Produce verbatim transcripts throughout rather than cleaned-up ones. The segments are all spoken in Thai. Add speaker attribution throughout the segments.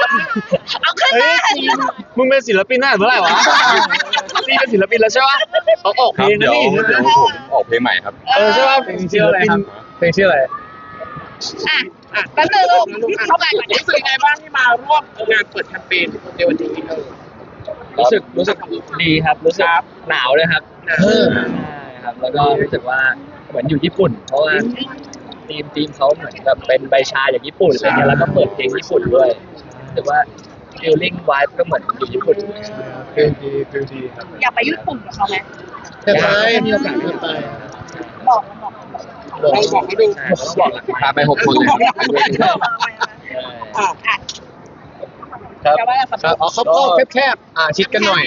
Speaker 1: เอาขึ้นมา
Speaker 2: มึงเป็นศิลปินได้เมื่อไหร่วะนี่เป็นศิลปินแล้วใช่ปะต้องออกเพลงนะนี่
Speaker 3: เดี๋ยวผมออกเพลงใหม่ครับ
Speaker 2: เออใช่ปะเพลงชื่ออะไรครับเพลงชื่ออะไร
Speaker 1: อ่ะอ่ะแป๊บนึงลูกเข้าไปก่อนนะ
Speaker 4: รู้สึกยังไงบ้างที่มาร่วมงานเปิดแคมเปญในวันนี้เออ
Speaker 2: รู้สึกรู้สึกดีครับรู้สึกหนาวเลยครับ
Speaker 4: นะ
Speaker 2: ใช่ครับแล้วก็รู้สึกว่าเหมือนอยู่ญี่ปุ่น เพราะว่าทีมทีมเขาเหมือนแบบเป็นใบชาอย่างญี่ปุ่นอะไรเงี้ยแล้วก็เปิดเพลงญี่ปุ่นด้วยรู้สึกว่า feeling vibe ก็เหมือนอยู่ญี่ปุ่นฟิลดีฟิลดีครับ
Speaker 1: อยากไปญี่ปุ่นกับเขาไหม
Speaker 2: จะไปมีโอกาสจะไป
Speaker 1: บอกบอก
Speaker 4: เราบอกเขาดู
Speaker 2: ต้องบอกหลัก
Speaker 3: พาไปหกคนเลย
Speaker 1: บอกอ่ะอ่ะ
Speaker 2: ครับ
Speaker 1: จะว่าอะไรครับ
Speaker 2: ครับอ๋อเขาก็แคบๆอ่าชิดกันหน่อย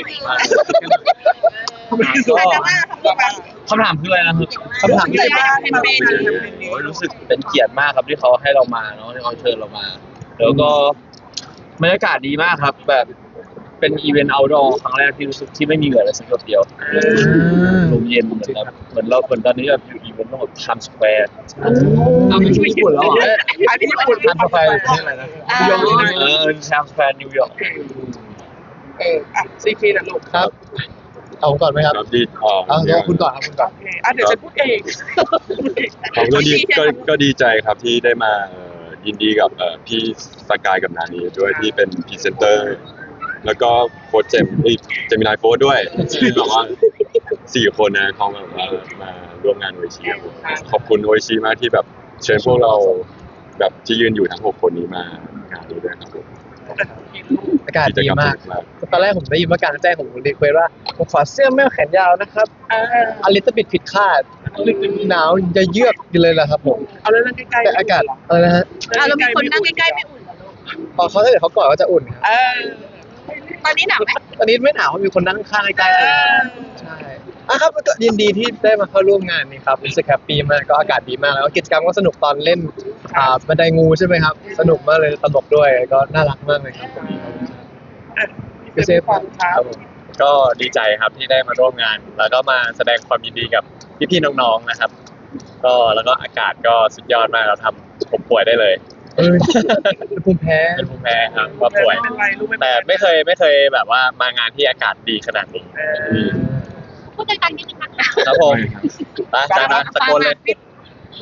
Speaker 1: อาจจะว่าคำพูดแบบ
Speaker 2: คำถามคืออะไรนะครับคำถามที่
Speaker 1: เลยว่าแคมเปญ
Speaker 2: โอ้ยรู้สึกเป็นเกียรติมากครับที่เขาให้เรามาเนาะที่เขาเชิญเรามา แล้วก็บรรยากาศดีมากครับ แบบเป็นอีเวนต์เอาท์ดอร์ครั้งแรกที่รู้สึกที่ไม่มีเหงื่อเลยสักหยดเดียวลมเย็นเหมือนแบบเหมือนเราเหมือนตอนนี้แบบอยู่อีเวนต์ต้องแบบไทม์สแควร์อ้าวไม่ใช่ญี่ปุ่นแล้วเหรอ
Speaker 4: ไปที่ญี่ปุ่น
Speaker 2: ไทม์สแควร์ประเทศอะไรนะนิวยอร์กเออไทม์สแควร์นิวยอร์ก
Speaker 4: เอออ่ะซีคีนะลูก
Speaker 2: ครับเอาผมก่อนไหมครับ
Speaker 3: ครับดีอ๋อ
Speaker 2: เอาเดี๋ยวคุณก่อนครับคุณก่อน
Speaker 4: โอเคอ่ะเดี๋ยวฉันพูดเอง
Speaker 3: ผมก็ดีก็ก็ดีใจครับที่ได้มาเอ่อยินดีกับเอ่อพี่สกายกับนานีด้วยที่เป็นพรีเซนเตอร์ แล้วก็โค้ชเจมเอ้ยเจมินายโค้ชด้วยที่แบบว่าสี่คนนะเขาแบบว่ามาร่วมงานโออิชิครับผมขอบคุณโออิชิมากที่แบบเชิญพวกเราแบบที่ยืนอยู่ทั้งหกคนนี้มางานนี้ด้วยครับผม
Speaker 2: อากาศดีมากตอนแรกผมได้ยินว่าการแจ้งของผมรีเควสว่าผมขอเสื้อแมวแขนยาวนะครับ
Speaker 4: เออ
Speaker 2: อลิตบิดผิดคาดหนาวจะเยือกอยู่เลยแหละครับผม
Speaker 4: เอาแล้วนั่งใกล้ๆ
Speaker 2: แต่อากาศอะไรนะฮะ
Speaker 1: อ่ะเรามีคนนั่งใกล้ๆไม่อุ่นเหรอ
Speaker 2: พอเขาถ้าเกิดเขากอดก็จะอุ่นครับ
Speaker 4: เออ
Speaker 1: ตอนนี้หนาวไหม
Speaker 2: ตอนนี้ไม่หนาวเพราะมีคนนั่งข้างใกล้ๆเลยใช่อ่ะครับก็ยินดีที่ได้มาเข้าร่วมงานนี้ครับรู้สึกแฮปปี้มากก็อากาศดีมากแล้วก็กิจกรรมก็สนุกตอนเล่นอ่าบันไดงูใช่ไหมครับสนุกมากเลยตลกด้วยก็น่ารักมากเลยครับ
Speaker 4: อ่ะ
Speaker 2: พี่เซฟ
Speaker 4: ฟังครับ
Speaker 5: ก็ดีใจครับที่ได้มาร่วมงาน แล้วก็มาแสดงความยินดีกับพี่ๆน้องๆนะครับ ก็แล้วก็อากาศก็สุดยอดมากเราทำผมป่วยได้เลย
Speaker 2: เออเป็นภูมิแพ้
Speaker 5: เป็นภูมิแพ้ครับก็ป่วย
Speaker 4: ไม่เป็นไรลูกไม่เป็น
Speaker 5: แต่
Speaker 4: ไร
Speaker 5: ไม่เคยไม่เคยแบบว่ามางานที่อากาศดีขนาดนี้
Speaker 4: เออ
Speaker 1: พูดใจกันนิดนึงนะคะ
Speaker 5: ครับผมไปจ้านะตะโกนเลย
Speaker 3: โล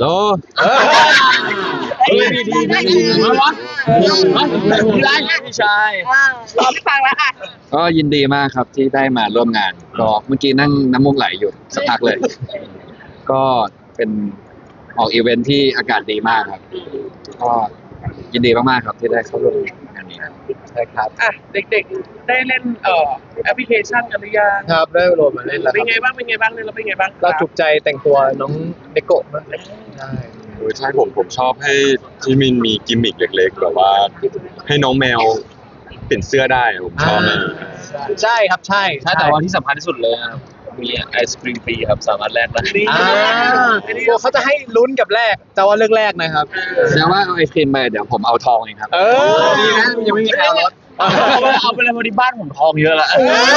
Speaker 1: เฮ้ยดีดีดีดี
Speaker 5: พี่ไรพี่ชาย
Speaker 1: รอไม่ฟังแล้วอ่ะ
Speaker 3: ก็ยินดีมากครับที่ได้มาร่วมงานก็เมื่อกี้นั่งน้ำมูกไหลอยู่สักพักเลย ก็เป็นออกอีเวนท์ที่อากาศดีมากครับก็ยินดีมากๆครับที่ได้เข้าร่วมงานนี้ครับ
Speaker 2: ใช่ครับ
Speaker 4: อ่ะเด็กๆได้เล่นเอ่อแอปพลิเคชันกันหรือยัง
Speaker 2: ครับได้โหลดมาเล่นแล้วค
Speaker 4: เป็น
Speaker 2: รับ
Speaker 4: ไงบ้างเป็นไงบ้างเนี่ยเราเป็นไงบ้าง
Speaker 2: เราจุกใจแต่งตัวน้องเดโกะมากเลยใช่
Speaker 3: เออใช่ผมผมชอบให้ที่มินมีกิมมิคเล็กๆแบบว่า ให้น้องแมวเปลี่ยนเสื้อได้ผมชอบมาก
Speaker 2: ใช่ครับใช่
Speaker 5: ใช่แต่ว่าที่สำคัญที่สุดเลยนะครับมีไอศครีมฟรีครับสามารถแลกได้
Speaker 4: นี่
Speaker 2: อ่าพวกเขาจะให้ลุ้นกับแรกจะว่าเลือกแรกนะครับ
Speaker 3: แสดงว่าเอาไอศครีมไปเดี๋ยวผมเอาทองเองครับ
Speaker 2: เออดีนะยังไม่มีใครเอารถ
Speaker 5: เอาไปเอาไปเลยพอดีบ้านผมทองเยอะแล้ว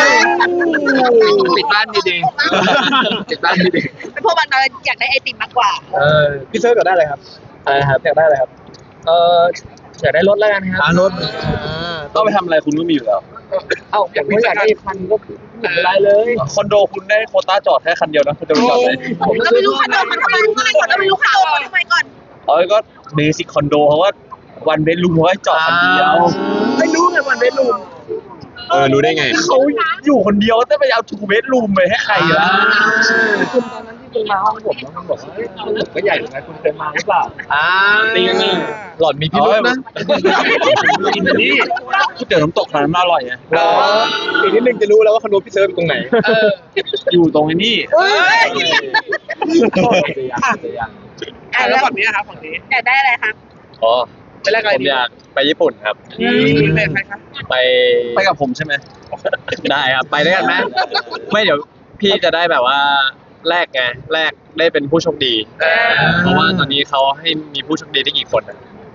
Speaker 3: ปิดบ้านดีๆปิดบ้านดี
Speaker 1: เป็นพวกมันเราอยากได้ไอติมมากกว่า
Speaker 2: เออพี่เซิร์ฟอยากได้อะไรครับ
Speaker 5: อะไรครับ
Speaker 2: อยากได้อะไรครับ
Speaker 5: เอออยากได้รถแล้วกันครับ
Speaker 2: อ่ารถ
Speaker 5: ต้องไปทำอะไรคุณก็มีอยู่แล้ว
Speaker 2: เอ้าผมก็อยากได้คันก็ไม่เป็นไรเลย
Speaker 5: คอนโดคุณได้โควต้าจอดแค่คันเดียวนะคุณจะไปจอดไหน
Speaker 1: ผมก็ไม่รู้คอนโดมันทำไมก่อนเราไม่รู้คอนโดมันทำไมก่อน
Speaker 5: เออก็เบสิกคอนโดเพราะว่าวันเบดรูมเขาให้จอดคันเดียว
Speaker 4: ไม่รู้ไงวันเล่นลูก
Speaker 3: เออรู้ได้ไง
Speaker 5: เขาอยู่คนเดียวแต่ไปเอาทูเบดรูมไปให้ใครล่ะ
Speaker 2: คุณตอนนั้นที่คุณมาห้องผมแล้วคุณบอกว่าผมก็ใหญ่เหมือนกันคุณเคยมาหรือเปล่าอ่า
Speaker 5: ตีกันนี่
Speaker 2: หล่อนมีพิรุธนะ
Speaker 5: กินนี่ก๋วยเตี๋ยวน้ำตกร้านนั้นอร่อยไง
Speaker 2: อีกนิดนึงจะรู้แล้วว่าคอนโดพี่เซิร์ฟอยู่ตรงไหน
Speaker 5: อยู่ตรงไอ้นี่
Speaker 2: เฮ้ย
Speaker 4: อ่ะแล้วฝั่งนี้นะครับฝั่งนี้
Speaker 1: อยากได้อะไรครับ
Speaker 5: อ๋อ
Speaker 4: ไปแรกอะไร
Speaker 5: ผม
Speaker 4: ดี
Speaker 5: อยากไปญี่ปุ่นครับ
Speaker 4: นี่เป็นใครครับ
Speaker 5: ไปไปกับผมใช่ไหมได้ครับไปด้วยกันไหมไม่เดี๋ยวพี่จะได้แบบว่าแลกไงแลกได้เป็นผู้โชคดี เพราะว่าตอนนี้เขาให้มีผู้โชคดีได้กี่คนอะ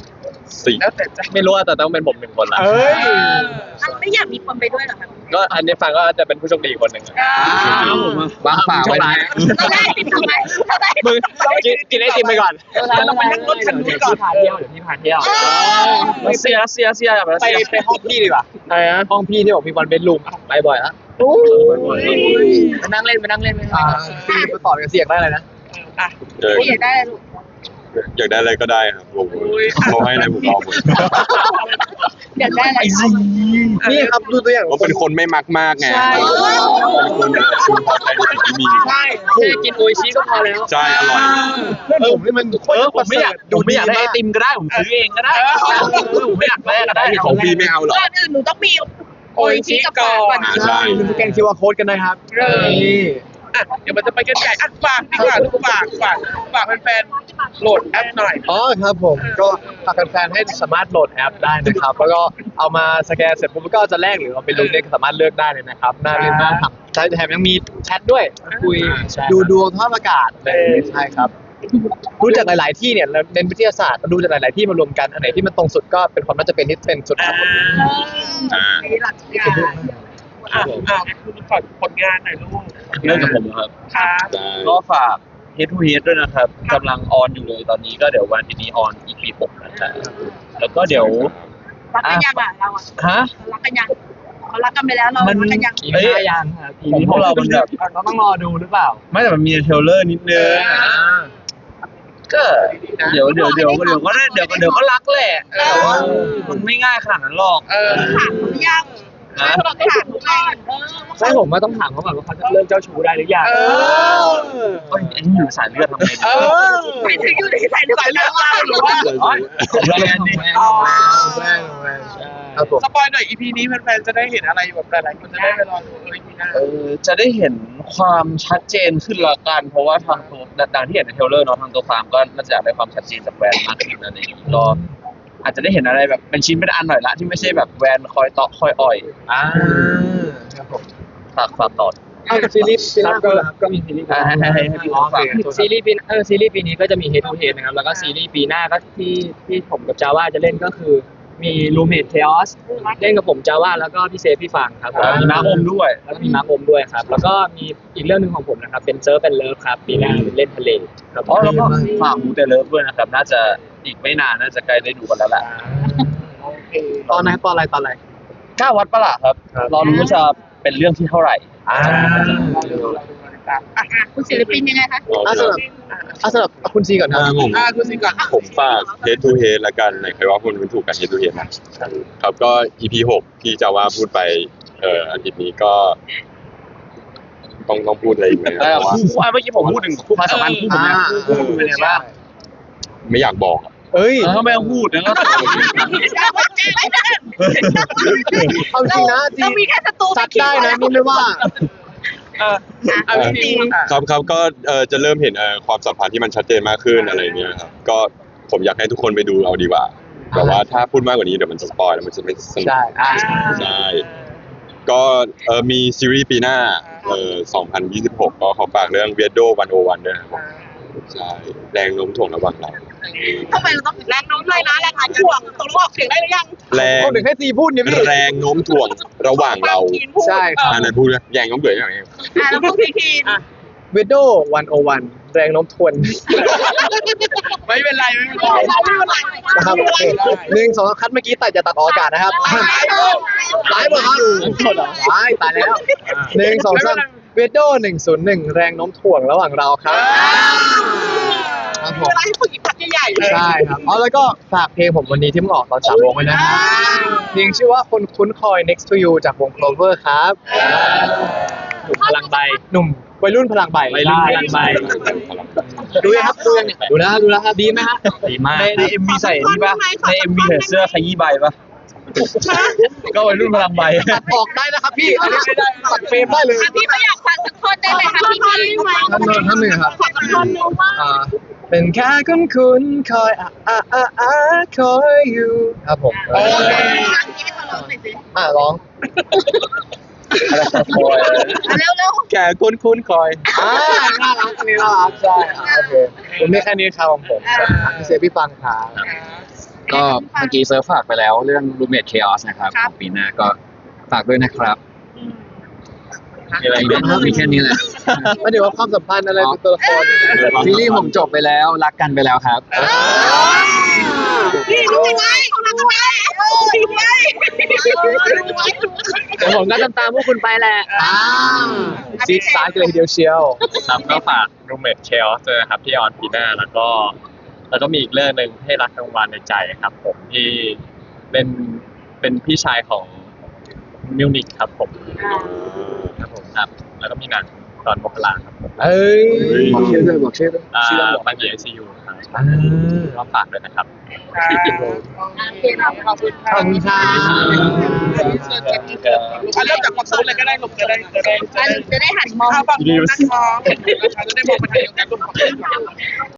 Speaker 3: สี่
Speaker 4: แล้วแต่ใจ
Speaker 5: ไม่รู้ว่าแต่ต้องเป็นผมหนึ่งคนละ
Speaker 1: เอ้ย
Speaker 6: มันไม่อยากมีคนไปด้วยเหรอคะ
Speaker 5: ก็อันนี้ฟังก็จะเป็นผู้โชคดีอีกคนหนึ่งอะ
Speaker 1: วางฝากไว้นะ
Speaker 6: เราได้ติดทำไมเราได้
Speaker 5: มึงกินกินไอติมไปก่อน
Speaker 4: เราไปนั่งรถคันนี้ก่อน
Speaker 2: พาเที่ยวเดี๋ยวพี่พาเที่ยวเสียเสียเสียแบบ
Speaker 1: ไปไปห้องพี่ดีกว่า
Speaker 5: อะไรนะ
Speaker 1: ห้องพี่ที่บอกมีวันเป็นลุมไปบ่อยแล้วมานั่งเล่นมานั่งเล่นไปพี่มาตอบกับเสียงได้เลยนะ
Speaker 4: อ่ะ
Speaker 3: เออ
Speaker 6: ไม่อยากได้อะไรลูก
Speaker 3: อยากได้อะไรก็ได้ครับผมเขาให้อะไรผมเอาหมด
Speaker 6: อยากได้อะไร
Speaker 1: นี่ครับดูตัวอย่าง
Speaker 3: ผมเป็นคนไม่มักมากไงเป็นคนชูพอใจในสิ่งที่มี
Speaker 1: ใช่แค่กินโออิชิก็พอแล้ว
Speaker 3: ใช่อร่อย
Speaker 1: เพื่อนผมนี่มัน
Speaker 2: เออผมไม่อยากผมไม่อยากได้ไอติมก็ได้ผมซื้อเองก็ได้ผมไม่อยากได้ก็ได้
Speaker 3: ของพี่ไม่เอาหรอ
Speaker 6: ก่อนอื่นหนูต้องมีโออิชิกับฝากก่อน
Speaker 3: อ่าใช่
Speaker 1: ลืมสแกน คิว อาร์ Code กันนะครับนี่
Speaker 4: อ่ะเดี๋ยวมันจะไปกันใหญ่อ่ะฝากดีกว่าลูกฝากฝากฝากแฟนๆโหลดแอปหน่อย
Speaker 1: อ๋อครับผมก็ฝากแฟนๆให้สามารถโหลดแอปได้นะครับ แล้วก็เอามาสแกนเสร็จปุ๊บก็จะแลกหรือเอาไปลงเล่นสามารถเลือกได้เลยนะครับน่าเล่นมากครับใช่แถมยังมีแชทด้วยคุยดูดวงสภาพอากาศเลยใช่ครับดูจากหลาย ๆ ที่เนี่ยเราเน้นวิทยาศาสตร์ดูจากหลาย ๆ ที่มารวมกันอันไหนที่มันตรงสุดก็เป็นความน่าจะเป็นที่เป็นสุดครับผม
Speaker 3: อ่า
Speaker 6: มีหลักการ
Speaker 4: อ่ะอ่ะคุณฝากผลงานหน่อยลูก
Speaker 2: เรื่องกับผมครับ
Speaker 4: ครับ
Speaker 3: ได้
Speaker 2: ก็ฝาก Head to Head ด้วยนะครับกำลังออนอยู่เลยตอนนี้ก็เดี๋ยววันที่นี้ออน อี พี หกนะครับแล้วก็เดี๋ยว
Speaker 6: รักกันยังอ่ะเราอ่ะ
Speaker 2: ฮะ
Speaker 6: รักกันยังเขารักกันไปแล้วเรา
Speaker 2: มัน
Speaker 6: รักกันยัง
Speaker 2: เอ้ยยังครับของพวกเรามันแบบ
Speaker 1: เราต้องรอดูหรือเปล่า
Speaker 2: ไม่แต่มันมีเทรลเลอร์นิดนึงก็เดี๋ยวเดี๋ยวเดี๋ยวเดี๋ยวก็ได้เดี๋ยวก็เดี๋ยวก็รักแหละแต่ว่ามันไม่ง่ายขนาดนั้นหรอก
Speaker 4: เออ
Speaker 6: ถามเขายัง
Speaker 2: นะ
Speaker 6: เราถามเขาก่อนเออ
Speaker 1: ใช่ผมว่าต้องถามเขาก่อนว่าเขาจะเลิกเจ้าชู้ได้หรือยัง
Speaker 4: เออ
Speaker 2: เอ้ยอันนี้อยู่สายเลือดทำไงดี
Speaker 4: เออ
Speaker 6: ไม่ถึงอยู่ในสายเลือด
Speaker 4: สายเลือดเราหรือว่า
Speaker 2: แรงดิ
Speaker 4: อ๋อ
Speaker 1: แม่แม่ครับผม
Speaker 4: สปอยหน่อย อี พี นี้แฟนๆจะได้เห็นอะไรแบบหลายๆคนจะได้ไปรอดูเออ อี พี หน้า
Speaker 2: เออจะได้เห็นความชัดเจนขึ้นละกัน เพราะว่าทางตัวดังที่เห็นในเทรลเลอร์เนาะทางตัวฟาร์มก็น่าจะอยากได้ความชัดเจนจากแบรนด์มากขึ้นนั่นเองก็อาจจะได้เห็นอะไรแบบเป็นชิ้นเป็นอันหน่อยละที่ไม่ใช่แบบแวนคอยเตาะคอยอ่อย
Speaker 1: อ่าครับผม
Speaker 2: ฝากฝากต่อ
Speaker 1: เอาซีรีส์ปีหน้าก็ก็มีซีรีส์
Speaker 2: ให้ให้ให้ให้พี่
Speaker 1: อ๋อ
Speaker 2: ฝาก
Speaker 7: ซีรีส์ปีเออซีรีส์ปีนี้ก็จะมี Head to Head นะครับ แล้วก็ซีรีส์ปีหน้าก็ที่ที่ผมกับจาว่าจะเล่นก็คือมี Roommate Chaos เล่นกับผมจาว่าแล้วก็พี่เซฟพี่ฟังครับผม
Speaker 2: มีมาอมด้วย
Speaker 7: แล้วก็มีมาร์คอมด้วยครับ แล้วก็มีอีกเรื่องหนึ่งของผมนะครับ เป็นเซิร์ฟเป็นเลิฟครับปีหน้าเล่นทะเลครับ
Speaker 2: อ๋อแล้วก็ฝากมูเตเลิฟด้วยนะครับ น่าจะอีกไม่นานน่าจะใกล้ได้ดูกันแล้วแหละ
Speaker 4: โอเค
Speaker 1: ตอนไหนตอนอะไรตอนอะไร
Speaker 2: เก้าวัดประหลาดครับ รอรู้ว่าจะเป็นเรื่องที่เท่าไหร่
Speaker 1: อ่า
Speaker 6: อ่ะคุณศิลปินยังไงคะ
Speaker 1: อ่าสำหรับอ่าสำหรับคุณซีก่อนค
Speaker 3: อ่า
Speaker 1: รับ
Speaker 3: ผม
Speaker 4: อ่ะคุณสิก่อน
Speaker 3: ผมฝาก Head to Head ละกันไหนใครว่าคุณเป็นถูกกัน Head to Head นะครับก็ อี พี หกที่จะว่าพูดไปเอ่ออาทิตย์นี้ก็ ต้องต้องพูดอะไรอีกไหมค
Speaker 2: เอ
Speaker 3: รับ
Speaker 2: อ
Speaker 3: เพราะว่า
Speaker 2: คู่อ่ะเมื่อกี้ผมพูดถึงคู่ความสัมพันธ์คู่ผมนะคู่คุณเป็นไงบ้าง
Speaker 3: ไม่อยากบอกอะ
Speaker 1: เอ้ย
Speaker 2: เออไม่ต้องพูดนะก็
Speaker 1: เอาจริงนะจริ
Speaker 6: เรา
Speaker 1: ง
Speaker 6: มีแค่ศัตรู
Speaker 1: ซัดได้นะนี่ไม่ว่า
Speaker 4: เอออ่ะพี่นิวอ่ะ
Speaker 3: ครับครับก็เอ่อจะเริ่มเห็นเอ่อความสัมพันธ์ที่มันชัดเจนมากขึ้นอะไรเงี้ยครับก็ผมอยากให้ทุกคนไปดูเอาดีกว่าแต่ว่าถ้าพูดมากกว่านี้เดี๋ยวมันจะสปอยแล้วมันจะไม่สนุก
Speaker 1: ใช่อ่า
Speaker 3: ใช่ก็เอ่อมีซีรีส์ปีหน้าเอ่อสองพันยี่สิบหกก็ขอฝากเรื่อง Weirdo หนึ่งศูนย์หนึ่งด้วยนะครับใช่แรงโน้มถ่วงระหว่างเรา
Speaker 6: ทำไมเราต้องแรงโน้มเลยนะแรงถ่วงตกลงออกเสียงได้หรือยัง
Speaker 3: แรง
Speaker 1: เขาถึงให้ซีพูดเนี่ยพี่
Speaker 3: แรงโน้มถ่วงระหว่างเรา
Speaker 1: ใช่ครับ
Speaker 3: อันนั้นพูดเลยแรงโน้มถ่วงอย่างไร
Speaker 6: อ่ะแล้วพวกทีทีอ่ะ
Speaker 1: เวดโดวันโอวันแรงโน้มทวน
Speaker 4: ไม่เป็นไรไม่เป็นไร
Speaker 1: นะครับโอเคหนึ่งสองคัดเมื่อกี้ตัดจะตัดออกอากาศนะครับไลฟ์หมดครับไลฟ์ตายแล้วหนึ่งสองสามเวดโดหนึ่งศูนย์หนึ่งแรงโน้มถ่วงระหว่างเราครับครับผม
Speaker 6: เวลาให้ฝึกอีกพักใหญ่ๆ
Speaker 1: ใช่ครับอ๋อแล้วก็ฝากเพลงผมวันนี้ที่มึงออกตอนสามโมงไว้นะครับเพลงชื่อว่าคนคุ้นคอย next to you จากวง Clover ครับ
Speaker 7: หนุ่มพลังใบ
Speaker 1: หนุ่มวัยรุ่นพลังใบ
Speaker 7: วัยรุ่นพลังใบ
Speaker 1: ดูยังครับดูยังเนี่ยดูแล้วดูแล้วครับดีไหมฮะ
Speaker 2: ดีมากในในเอ็มวีใส่นี่ปะในเอ็มวีใส่เสื้อขยี้ใบปะก็วัยรุ่นพลังใบ
Speaker 1: ตัดออกได้นะครับพี่อันนี้ไม่ได้ตัดเฟรมได้เลย
Speaker 6: อ่ะพี่เขาอยากฟังสักท่อนได้ไหมคะพี่พี่
Speaker 1: ท่านนนท่านหนึ่งครับ
Speaker 6: ขอสักท่อนนึงว่า
Speaker 1: อ่าเป็นแค่คุ้นคุ้นๆคอยอ่ะอ่ะอ่ะอ่ะคอยอยู่ครับผม
Speaker 6: โอเคพี่ขอร้องหน่อยสิ
Speaker 1: อ่ะร้อง
Speaker 2: อะไรครับโอย
Speaker 6: เร็วเร็ว
Speaker 1: แก่คุ้นคุ้นๆคอยอ่าน่ารักอันนี้น่ารักใช่อ่ะโอเคผมมีแค่นี้ครับของผมอ่ะพี่เซฟพี่ฟังครับ
Speaker 8: ก็เมื่อกี้เซิร์ฟฝากไปแล้วเรื่อง Roommate Chaos นะครับของปีหน้าก็ฝากด้วยนะครับ
Speaker 2: มีอะไร
Speaker 8: มี
Speaker 2: ไหม
Speaker 8: มีแค่นี้แหละ
Speaker 1: ไม่ได้ว่าความสัมพันธ์อะไรเป็นตัวละคร
Speaker 8: ซีรีส์ผมจบไปแล้วรักกันไปแล้วครับ
Speaker 6: นี่ดูไว้ของเราก็ได้ดูไว้ดูไว้
Speaker 7: เดี๋ยวผมก็ตามตามพวกคุณไปแหละ
Speaker 1: ซีดซ้ายเลยทีเดียวเชียว
Speaker 5: ครับก็ฝาก Roommate Chaos ด้วยนะครับที่ออนปีหน้าแล้วก็แล้วก็มีอีกเรื่องหนึ่งให้รักกลางวันในใจครับ ผมที่เล่นเป็นพี่ชายของมิวนิกครับผมครับผมครับ แล้วก็มีหนังตอนมกราครับผม
Speaker 1: เอ้ย
Speaker 8: บอกชื่อด้วยบอกชื่อด้วย
Speaker 5: อ่า
Speaker 8: ชื่อบอก
Speaker 5: บันเยไอซียูครับ
Speaker 1: อ่า
Speaker 5: ก็ฝากด้วยนะครับ
Speaker 6: ขอบคุณ
Speaker 1: ขอบคุณค่ะ
Speaker 4: อ่ะเริ่มจากความสนุกเลยก็ได้ลูกจะได้จะได้
Speaker 6: จะได้หันมอง
Speaker 4: ข้าวฝั่งนู้นนั่งมองนะคะจะได้มองไปทางเดียวกันลูก